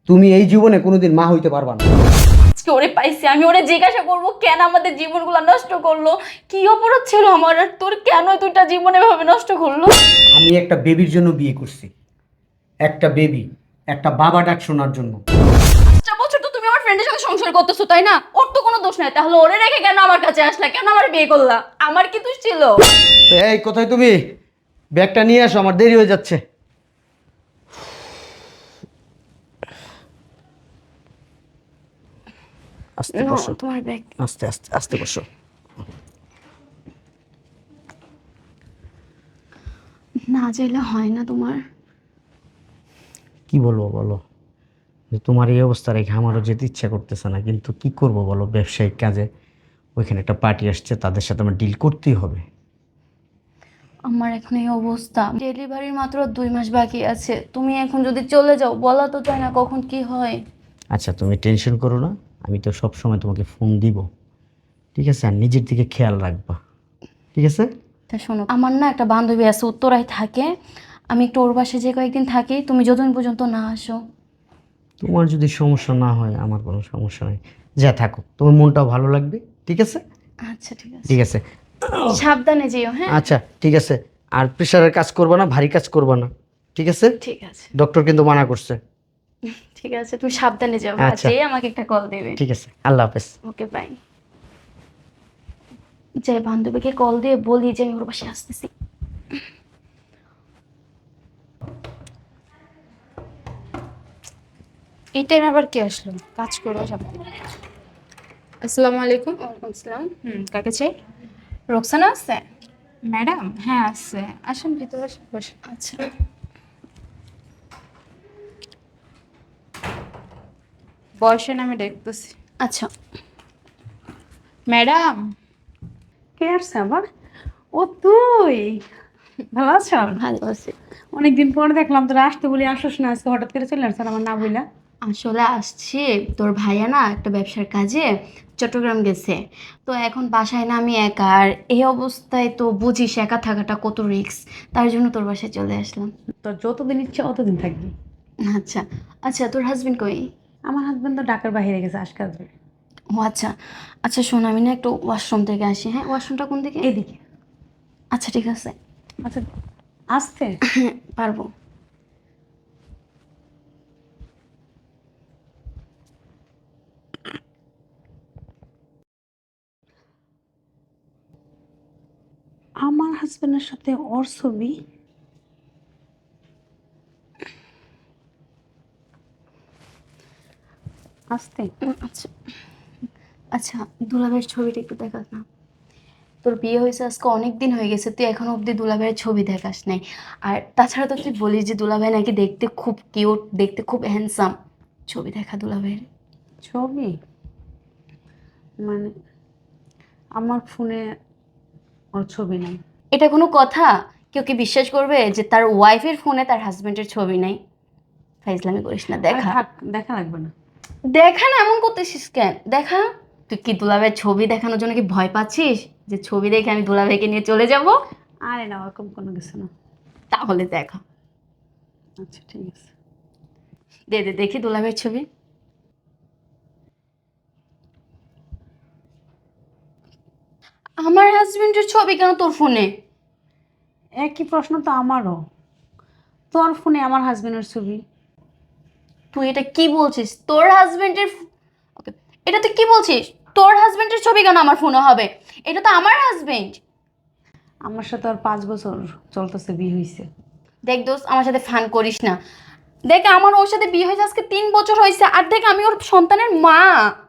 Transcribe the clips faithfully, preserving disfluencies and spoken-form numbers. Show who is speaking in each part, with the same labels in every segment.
Speaker 1: তুমি এই জীবনে কোনোদিন মা হইতে পারবা না।
Speaker 2: আজকে ওরে পাইছি, আমি ওরে জিজ্ঞাসা করবো কেন আমাদের জীবনগুলো নষ্ট করলো, কি অপরাধ ছিল আমার, আর তোর কেন দুইটা জীবন এভাবে নষ্ট করলো।
Speaker 1: আমি একটা বেবির জন্য বিয়ে করছি, একটা বেবি, একটা বাবা ডাক শোনার জন্য।
Speaker 2: পাঁচটা বছর তো তুমি আমার ফ্রেন্ডের সাথে সংসার করতেছো তাই না? ওর তো কোনো দোষ নাই, তাহলে ওরে রেখে কেন আমার কাছে আসলা, কেন আমার বিয়ে করলা? আমার কি দোষ ছিল?
Speaker 1: তো এই কোথায় তুমি? ব্যাগটা নিয়ে আসো, আমার দেরি হয়ে যাচ্ছে। আস্তে
Speaker 2: না,
Speaker 1: বসো,
Speaker 2: তোমার ব্যাগ।
Speaker 1: আস্তে আস্তে আস্তে বসো।
Speaker 2: না চাইলে হয় না তোমার।
Speaker 1: কি বলবো বলো, যে তোমার এই অবস্থা রেখে আমারও যেতে ইচ্ছা করতেছে না, কিন্তু কি করব বলো, ব্যবসায়িক কাজে ওইখানে একটা পার্টি আসছে, তাদের সাথে আমার ডিল করতেই হবে।
Speaker 2: আমার এখন এই অবস্থা, ডেলিভারির মাত্র দুই মাস বাকি আছে, তুমি এখন যদি চলে যাও বলা তো যায় না কখন কি হয়।
Speaker 1: আচ্ছা তুমি টেনশন করো না, আমি তো সব সময় তোমাকে ফোন দিব, ঠিক আছে? আর নিজের দিকে খেয়াল রাখবা, ঠিক আছে?
Speaker 2: তা শোনো, আমার না একটা বান্ধবী আছে উত্তরায় থাকে, আমি একটু ওর বাসায় যে কয়েকদিন থাকি, তুমি যতদিন পর্যন্ত না আসো।
Speaker 1: তোমার যদি সমস্যা না হয় আমার কোনো সমস্যা নেই, যা থাকো, তোমার মনটাও ভালো লাগবে, ঠিক আছে?
Speaker 2: আচ্ছা ঠিক আছে।
Speaker 1: ঠিক আছে,
Speaker 2: সাবধানে যেও, হ্যাঁ।
Speaker 1: আচ্ছা ঠিক আছে। আর প্রেশারের কাজ করবা না, ভারী কাজ করবা না, ঠিক আছে?
Speaker 2: ঠিক আছে।
Speaker 1: ডক্টর কিন্তু মানা করছে।
Speaker 2: ঠিক আছে, তুমি সাবধানে যাও,
Speaker 1: আচ্ছা।
Speaker 2: যে আমাকে একটা কল দেবে।
Speaker 1: ঠিক আছে, আল্লাহ হাফেজ।
Speaker 2: Okay bye. যে বান্ধবীকে কল দিয়ে বলি যে আমি ওর বাসায় আসতেছি।
Speaker 3: এই টাইম আবার কে আসলো? কাজ করো সব। আসসালামু আলাইকুম।
Speaker 2: ওয়ালাইকুম আসসালাম।
Speaker 3: হুম, কাকে চাই?
Speaker 2: রোকসানা আছে?
Speaker 3: ম্যাডাম, হ্যাঁ আছে, আসুন ভিতরে আসুন, বসুন।
Speaker 2: আচ্ছা।
Speaker 3: বয়সের নামে দেখতেছি।
Speaker 2: আচ্ছা।
Speaker 3: ম্যাডাম।
Speaker 4: কে আসছে আবার? ও তুই ভালো আছো?
Speaker 2: ভালো আছি।
Speaker 4: অনেকদিন পরে দেখলাম তোরা আসতে বলি আসোস না, আজকে হঠাৎ করে চলে আসছে আমার না বইলা।
Speaker 2: আসলে আসছি, তোর ভাইয়া না একটা ব্যবসার কাজে চট্টগ্রাম গেছে, তো এখন বাসায় না আমি একা, আর এই অবস্থায় তো বুঝিস একা থাকাটা কত রিস্ক, তার জন্য তোর বাসায় চলে আসলাম।
Speaker 4: তোর যতদিন ইচ্ছে অতদিন থাকবি।
Speaker 2: আচ্ছা। আচ্ছা, তোর হাজবেন্ড কই?
Speaker 4: আমার হাজবেন্ড তো ঢাকার বাইরে গেছে, আজকে আসবে।
Speaker 2: ও আচ্ছা। আচ্ছা শোন, আমি না একটু ওয়াশরুম থেকে আসি, হ্যাঁ? ওয়াশরুমটা কোন দিকে?
Speaker 4: এদিকে।
Speaker 2: আচ্ছা ঠিক আছে।
Speaker 4: আচ্ছা আসতে।
Speaker 2: হ্যাঁ পারবো।
Speaker 4: আমার হাজবেন্ডের সাথে ওর ছবি। আসতে।
Speaker 2: উম, আচ্ছা। আচ্ছা, দুলাভাইয়ের ছবিটা একটু দেখাস না। তোর বিয়ে হয়েছে আজকে অনেক দিন হয়ে গেছে, তুই এখনো অবধি দুলাভাইয়ের ছবি দেখাস নাই। আর তাছাড়া তো তুই বলিস যে দুলাভাই নাকি দেখতে খুব কিউট, দেখতে খুব হ্যান্ডসাম। ছবি দেখা দুলাভাইয়ের।
Speaker 4: ছবি মানে আমার ফোনে ওর ছবি নাই।
Speaker 2: এটা কোনো কথা? কেউ কি বিশ্বাস করবে যে তার ওয়াইফের ফোনে তার হাজবেন্ডের ছবি নাই? ফাইজলামি করিস না,
Speaker 4: আরে
Speaker 2: দেখা।
Speaker 4: থাক, দেখা লাগবে না।
Speaker 2: দেখা না, এমন করতেছিস কেন? দেখা। তুই কি দুলাভাইয়ের ছবি দেখানোর জন্য কি ভয় পাচ্ছিস যে ছবি দেখে আমি দুলাভাইকে নিয়ে চলে যাব?
Speaker 4: আরে না, ওরকম কোনো কিছু না।
Speaker 2: তাহলে দেখা।
Speaker 4: আচ্ছা ঠিক আছে।
Speaker 2: দে দে দেখি দুলাভাইয়ের ছবি। আমার হাজবেন্ডের ছবি কেন তোর ফোনে?
Speaker 4: একই প্রশ্ন তো আমারও। তোর ফোনে আমার হাজবেন্ডের ছবি।
Speaker 2: তুই এটা কি বলছিস? তোর হাজবেন্ডের, ওকে, এটা তুই কি বলছিস? তোর হাজবেন্ডের ছবি কেন আমার ফোনে হবে? এটা তো আমার হাজবেন্ড।
Speaker 4: আমার সাথে ওর পাঁচ বছর চলতেছে, বিয়ে হয়েছে।
Speaker 2: দেখ দোস্ত, আমার সাথে ফান করিস না। দেখ আমার ওর সাথে বিয়ে হয়েছে আজকে তিন বছর হয়েছে, আর দেখ আমি ওর সন্তানের মা।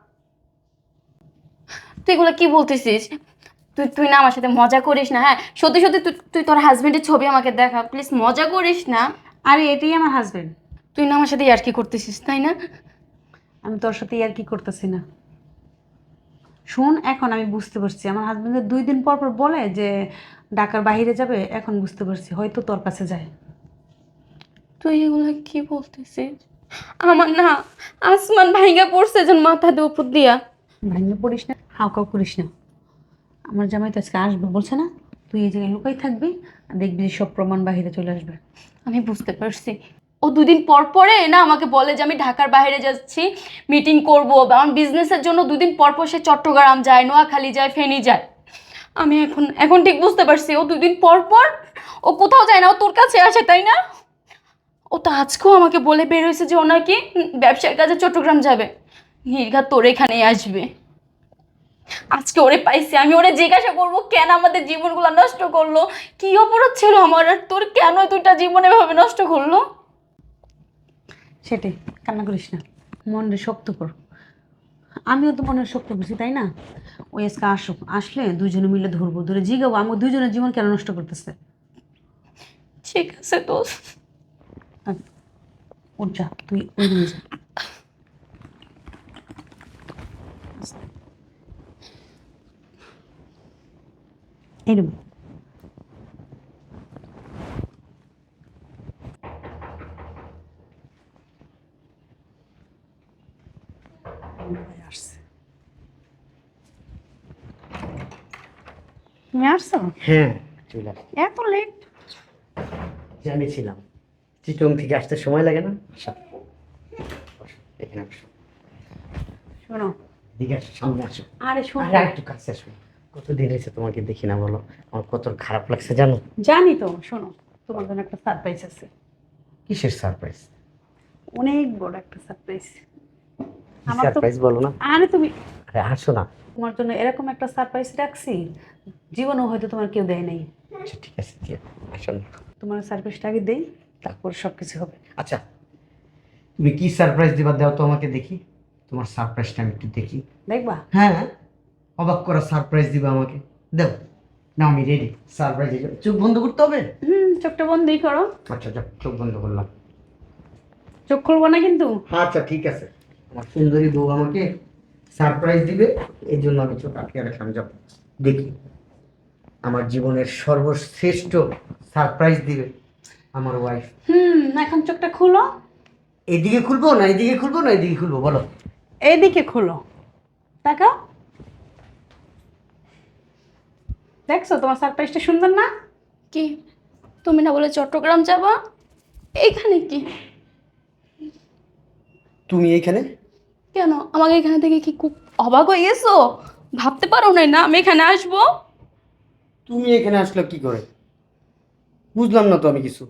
Speaker 2: তুই এগুলো কি বলতেছিস? তুই তুই না আমার সাথে মজা করিস না, হ্যাঁ? সত্যি সত্যি তুই তুই তোর হাজবেন্ডের ছবি আমাকে দেখা প্লিজ, মজা করিস না।
Speaker 4: আরে এটাই আমার হাজবেন্ড।
Speaker 2: তুই না আমার সাথে আর কি করতেছিস তাই না?
Speaker 4: আমি তোর সাথে আর কি করতেছি না। শোন, এখন আমি বুঝতে পারছি আমার হাজবেন্ডের দুই দিন পর পর বলে যে ঢাকার বাইরে যাবে, এখন বুঝতে পারছি হয়তো তোর কাছে যায়।
Speaker 2: তুই এগুলো কি বলতেছিস? আমার না আসমান ভাইঙ্গা পড়ছে যেন মাথা দিয়ে উপর দিয়া।
Speaker 4: ভাঙে পড়িস না, হাউকাউ করিস না। আমার জামাই তো আজকে আসবে বলছে না, তুই এই জায়গায় লুকাই থাকবি, আর দেখবি যে সব প্রমাণ বাহিরে চলে আসবে।
Speaker 2: আমি বুঝতে পারছি, ও দুদিন পর পরে না আমাকে বলে যে আমি ঢাকার বাইরে যাচ্ছি, মিটিং করব, বা আমার বিজনেসের জন্য দুদিন পর পর সে চট্টগ্রাম যায়, নোয়াখালী যায়, ফেনী যায়। আমি এখন এখন ঠিক বুঝতে পারছি ও দুদিন পর পর ও কোথাও যায় না, ও তোর কাছে আসে, তাই না? ও তো আজকেও আমাকে বলে বের হয়েছে যে ও নাকি উম, ব্যবসার কাজে চট্টগ্রাম যাবে। নির্ঘাত তোর এখানেই আসবে। আজকে ওরে পাইছি, আমি ওরে জিজ্ঞাসা করবো কেন আমাদের জীবনগুলো নষ্ট করলো, কি অপরাধ ছিল আমার, আর তোর কেন দুইটা জীবন এভাবে নষ্ট করলো।
Speaker 4: সেটাই, কান্না করিস না, মনটা শক্ত কর। আমিও তো মনে শক্ত করছি, তাই না? ওই আজকে আসুক, আসলে দুজনে মিলে ধরবো, ধরে জিগাবো আমার দুজনের জীবন কেন নষ্ট করতেছে।
Speaker 2: ঠিক আছে দোস্ত।
Speaker 4: উঠ যা, তুই ওই রুমে যা। এই রুমে। আসছে। তুমি আসছো?
Speaker 1: হ্যাঁ চলে আসছি।
Speaker 4: এত লেট?
Speaker 1: জানিয়েছিলাম চিটং থেকে আসতে সময় লাগে না। আসো, বসো, এখানে আসো,
Speaker 4: শোনো,
Speaker 1: দিকে আসো, সামনে আসো।
Speaker 4: আরে শোনো,
Speaker 1: আরে একটু কাছে আসো। কতদিন হয়েছে তোমাকে দেখি না, বলো। আমার কত খারাপ লাগছে জানো।
Speaker 4: জানি তো। শোনো, তোমার জন্য একটা সারপ্রাইজ আছে।
Speaker 1: কিসের সারপ্রাইজ?
Speaker 4: অনেক বড় একটা সারপ্রাইজ। আমার তো
Speaker 1: সারপ্রাইজ বলো না।
Speaker 4: আরে তুমি,
Speaker 1: আরে আসো না।
Speaker 4: তোমার জন্য এরকম একটা সারপ্রাইজ রাখছি, জীবনেও হয়তো তোমার কেউ দেয় নাই।
Speaker 1: আচ্ছা ঠিক আছে, ঠিক আছে, আসো না।
Speaker 4: তোমার সারপ্রাইজটা আগে দেই, তারপর সব কিছু হবে।
Speaker 1: আচ্ছা তুমি কি সারপ্রাইজ দিবা দাও তো আমাকে দেখি। তোমার সারপ্রাইজটা আমি একটু দেখি।
Speaker 4: দেখবা?
Speaker 1: হ্যাঁ, অবাক করা সারপ্রাইজ দিবা আমাকে, দাও। না আমি রেডি সারপ্রাইজ। চোখ বন্ধ করতে হবে?
Speaker 4: হুম, চোখটা বন্ধই করো।
Speaker 1: আচ্ছা যাক, চোখ বন্ধ করলাম।
Speaker 4: চোখ খুলবো না কিন্তু।
Speaker 1: আচ্ছা ঠিক আছে। আমার সুন্দরী বউ আমাকে সারপ্রাইজ দিবে, এই জন্য আমি চোখ আটকে রাখলাম। যাব দেখি আমার জীবনের সর্বশ্রেষ্ঠ সারপ্রাইজ দিবে আমার ওয়াইফ।
Speaker 4: হুম, এখন চোখটা খুলো।
Speaker 1: এইদিকে খুলবো না এইদিকে খুলবো না এইদিকে খুলবো বলো?
Speaker 4: এইদিকে খুলো, তাকাও। দেখছো তোমার সারপ্রাইজটা সুন্দর না?
Speaker 2: কি তুমি না বলে চট্টগ্রাম যাবা, এইখানে কি?
Speaker 1: তুমি এইখানে?
Speaker 2: কেন আমাকে এখানে থেকে কি খুব অবাক হয়ে গেছো? ভাবতে পারো নাই না আমি এখানে আসবো?
Speaker 1: তুমি এখানে আসলে কি করে? বুঝলাম না তো আমি কিছু।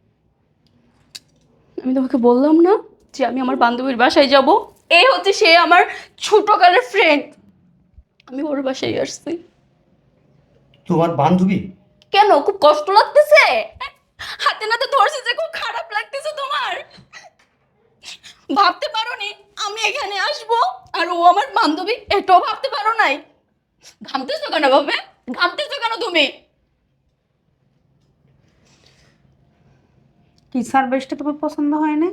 Speaker 2: আমি তোমাকে বললাম না যে আমি আমার বান্ধবীর বাসায় যাব? এই হচ্ছে সে আমার ছোটকালের ফ্রেন্ড, আমি ওর বাসায় আসছি।
Speaker 1: তোমার বান্ধবী?
Speaker 2: কেন খুব কষ্ট লাগতেছে? হাতে নাতে ধরছি যে খুব খারাপ লাগতেছে তোমার? ভাবতে পারো নি আমি এখানে আসবো আর ও আমার বান্ধবী, এটাও ভাবতে পারো নাই? ঘামতেছো কেন ভাবে, ঘামতেছো কেন তুমি?
Speaker 4: কি সারপ্রাইজটা তোমার পছন্দ হয় না?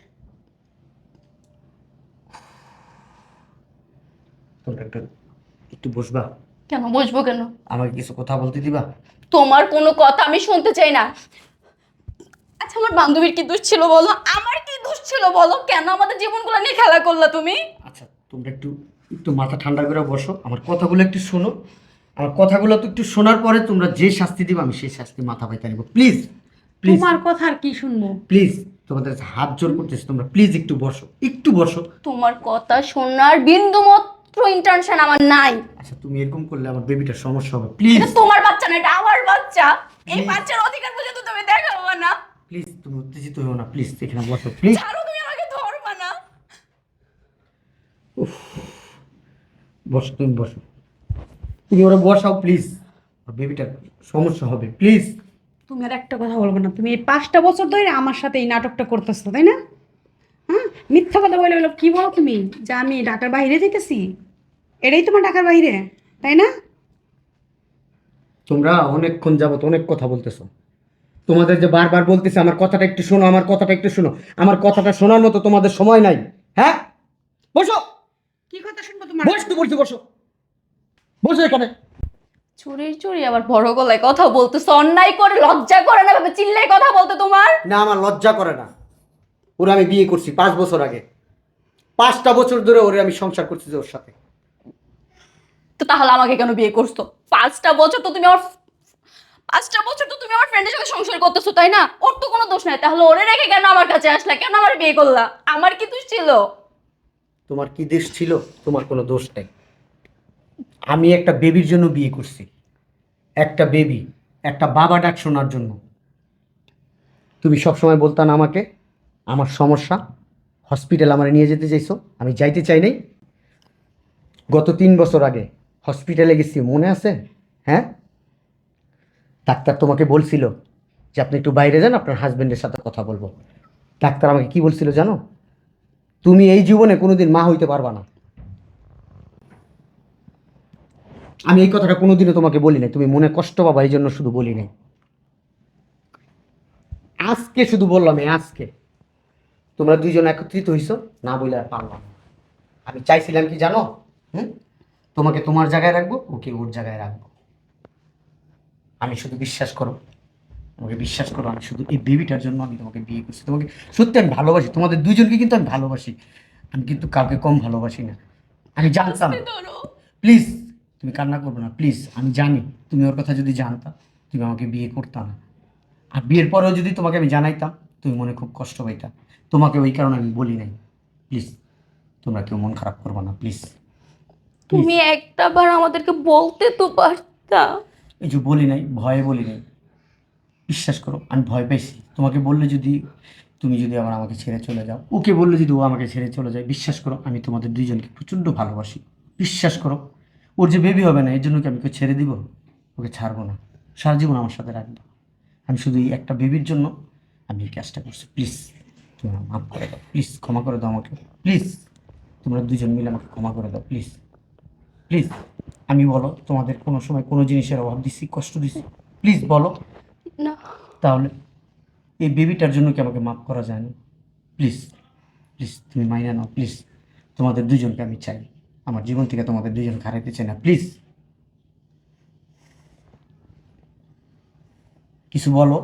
Speaker 1: তোমরা একটু একটু বসবা?
Speaker 2: কেন বসবো কেন?
Speaker 1: আমাকে কিছু কথা বলতে দিবা?
Speaker 2: তোমার কোনো কথা আমি শুনতে চাই না। আচ্ছা আমার বান্ধবীর কি দোষ ছিল বলো, আমার কি দোষ ছিল বলো, কেন আমাদের জীবনগুলো নিয়ে খেলা করলা তুমি?
Speaker 1: আচ্ছা তোমরা একটু একটু মাথা ঠান্ডা করে বসো, আমার কথাগুলো একটু শোনো। আমার কথাগুলো তো একটু শোনার পরে তোমরা যে শাস্তি দিবা আমি সেই শাস্তি মাথা পাইতে নিব। প্লিজ প্লিজ
Speaker 4: তোমার কথা আর কি শুনবো?
Speaker 1: প্লিজ, তোমাদের কাছে হাত জোর করতেছি, তোমরা প্লিজ একটু বসো, একটু বসো।
Speaker 2: তোমার কথা শোনার বিন্দু মাত্র ইন্টেনশন আমার নাই।
Speaker 1: আচ্ছা তুমি এরকম করলে আমার বেবিটার সমস্যা হবে, প্লিজ
Speaker 2: এটা তোমার বাচ্চা না, এটা আমার বাচ্চা। এই
Speaker 1: Please.
Speaker 2: বাচ্চার অধিকার বুঝে তো তুমি দেখাবো না।
Speaker 1: প্লিজ তুমি উত্তেজিত হও না, প্লিজ এখানে বসো প্লিজ।
Speaker 2: ছাড়ো, তুমি আমাকে ধরবা না।
Speaker 1: বসো তুমি বসো, তুমি ওরা বসাও প্লিজ, বেবিটার সমস্যা হবে প্লিজ।
Speaker 4: তুমি আর একটা কথা বলবো না। তুমি এই পাঁচটা বছর ধরে আমার সাথে এই নাটকটা করতেছো, তাই না? হ্যাঁ, মিথ্যা কথা বলে বলো। কি বলো তুমি যে আমি ঢাকার বাইরে যেতেছি? এটাই তোমার ঢাকার বাইরে, তাই না?
Speaker 1: তোমরা অনেকক্ষণ যাবত অনেক কথা বলতেছো, তোমাদের যে বারবার বলতেছে আমার কথাটা একটু শোনো, আমার কথাটা একটু শোনো, আমার কথাটা শোনার মতো তোমাদের সময় নাই। হ্যাঁ বসো,
Speaker 4: কি কথা শুনবো তোমার?
Speaker 1: বস তো বলছি, বসো বসো এখানে।
Speaker 2: চুরির চুরি আবার বড় গলায় কথা বলতেছো, অন্যায় করে লজ্জা করে না ভাবে চিল্লাই কথা বলতে তোমার?
Speaker 1: না আমার লজ্জা করে না, ওরা আমি বিয়ে করছি পাঁচ বছর আগে, পাঁচটা বছর ধরে ওরে আমি সংসার করছি যে ওর সাথে।
Speaker 2: তো তাহলে আমাকে কেন বিয়ে করছো? পাঁচটা বছর তো তুমি আমার পাঁচটা বছর তো তুমি আমার ফ্রেন্ডের সাথে সংসার করতেছো তাই না? ওর তো কোনো দোষ নাই, তাহলে ওরে রেখে কেন আমার কাছে আসলা, কেন আমার বিয়ে করলা? আমার কি দোষ ছিল?
Speaker 1: তোমার কি দোষ ছিল? তোমার কোনো দোষ নেই। আমি একটা বেবির জন্য বিয়ে করছি, একটা বেবি, একটা বাবা ডাক শোনার জন্য। তুমি সবসময় বলতা না আমাকে আমার সমস্যা, হসপিটাল আমার নিয়ে যেতে চাইছো, আমি যাইতে চাই নাই। গত তিন বছর আগে হসপিটালে গেছি, মনে আছে? হ্যাঁ, ডাক্তার তোমাকে বলছিল যে আপনি একটু বাইরে যান, আপনার হাজবেন্ডের সাথে কথা বলবো। ডাক্তার আমাকে কি বলছিল জানো? তুমি এই জীবনে কোনোদিন মা হইতে পারবা না। আমি এই কথাটা কোনোদিনও তোমাকে বলি নাই, তুমি মনে কষ্ট পাবা এই জন্য শুধু বলি নাই। আজকে শুধু বললাম, এই আজকে তোমরা দুইজন একত্রিত হইছো, না বলে আর পারলাম না। আমি চাইছিলাম কি জানো? হুম, তোমাকে তোমার জায়গায় রাখবো, ওকে ওর জায়গায় রাখবো। আমি শুধু বিশ্বাস করো, আমাকে বিশ্বাস করো, আমি শুধু এই বেবিটার জন্য আমি তোমাকে বিয়ে করছি। তোমাকে সত্যি আমি ভালোবাসি, তোমাদের দুইজনকে কিন্তু আমি ভালোবাসি। আমি কিন্তু কাউকে কম ভালোবাসি না। আমি জানতাম, প্লিজ তুমি কান্না করবে না প্লিজ। আমি জানি তুমি ওর কথা যদি জানতা তুমি আমাকে বিয়ে করতা না। আর বিয়ের পরেও যদি তোমাকে আমি জানাইতাম তুমি মনে খুব কষ্ট পাইতা। তোমাকে ওই কারণে আমি বলি নাই। প্লিজ তোমরা কেউ মন খারাপ করবে না প্লিজ।
Speaker 2: তুমি একটা বার আমাদেরকে বলতে তো পারতা।
Speaker 1: এই যে বলি নাই, ভয়ে বলি নাই। বিশ্বাস করো আমি ভয় পাইছি। তোমাকে বললে যদি, তুমি যদি আবার আমাকে ছেড়ে চলে যাও, ওকে বললে যদি ও আমাকে ছেড়ে চলে যায়, বিশ্বাস করো আমি তোমাদের দুইজনকে প্রচণ্ড ভালোবাসি। বিশ্বাস করো, ওর যে বেবি হবে না এর জন্য কি আমি ওকে ছেড়ে দিব? ওকে ছাড়বো না, সারা জীবন আমার সাথে রাখবো। আমি শুধু এই একটা বেবির জন্য আমি এই কাজটা করছি। প্লিজ তুমি আমাকে মাফ করে দাও, প্লিজ ক্ষমা করে দাও আমাকে, প্লিজ তোমরা দুজন মিলে আমাকে ক্ষমা করে দাও প্লিজ। প্লিজ আমি বলো তোমাদের কোনো সময় কোনো জিনিসের অভাব দিচ্ছি, কষ্ট দিচ্ছি? প্লিজ বলো।
Speaker 2: না,
Speaker 1: তাহলে এই বেবিটার জন্য কি আমাকে মাফ করা যায় না? প্লিজ প্লিজ তুমি মাইনা নাও প্লিজ। তোমাদের দুজনকে আমি চাই, আমার জীবন থেকে তোমাদের দুজনকে হারাইতে চাই না। প্লিজ কিছু বলো,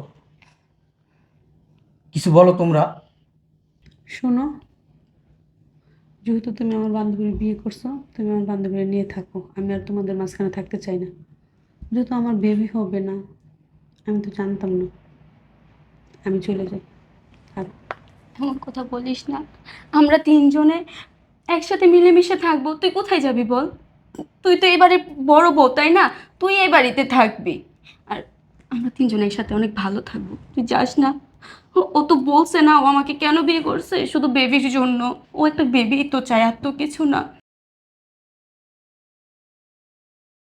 Speaker 1: কিছু বলো তোমরা।
Speaker 4: শোনো, যেহেতু তুমি আমার বান্ধবীর বিয়ে করছো, তুমি আমার বান্ধবীর নিয়ে থাকো। আমি আর তোমাদের মাঝখানে থাকতে চাই না। যেহেতু আমার বেবি হবে না, আমি তো জানতাম না, আমি চলে যাই। আর
Speaker 2: এমন কথা বলিস না। আমরা তিনজনে একসাথে মিলেমিশে থাকবো, তুই কোথায় যাবি বল? তুই তো এবারে বড় বউ তাই না? তুই এই বাড়িতে থাকবি। আর আমরা তিনজনে একসাথে অনেক ভালো থাকবো, তুই যাস না। ও ও তো বলছে না ও আমাকে কেন বিয়ে করছে, শুধু বেবির জন্য। ও একটা বেবি তো চায়, আর তো কিছু না।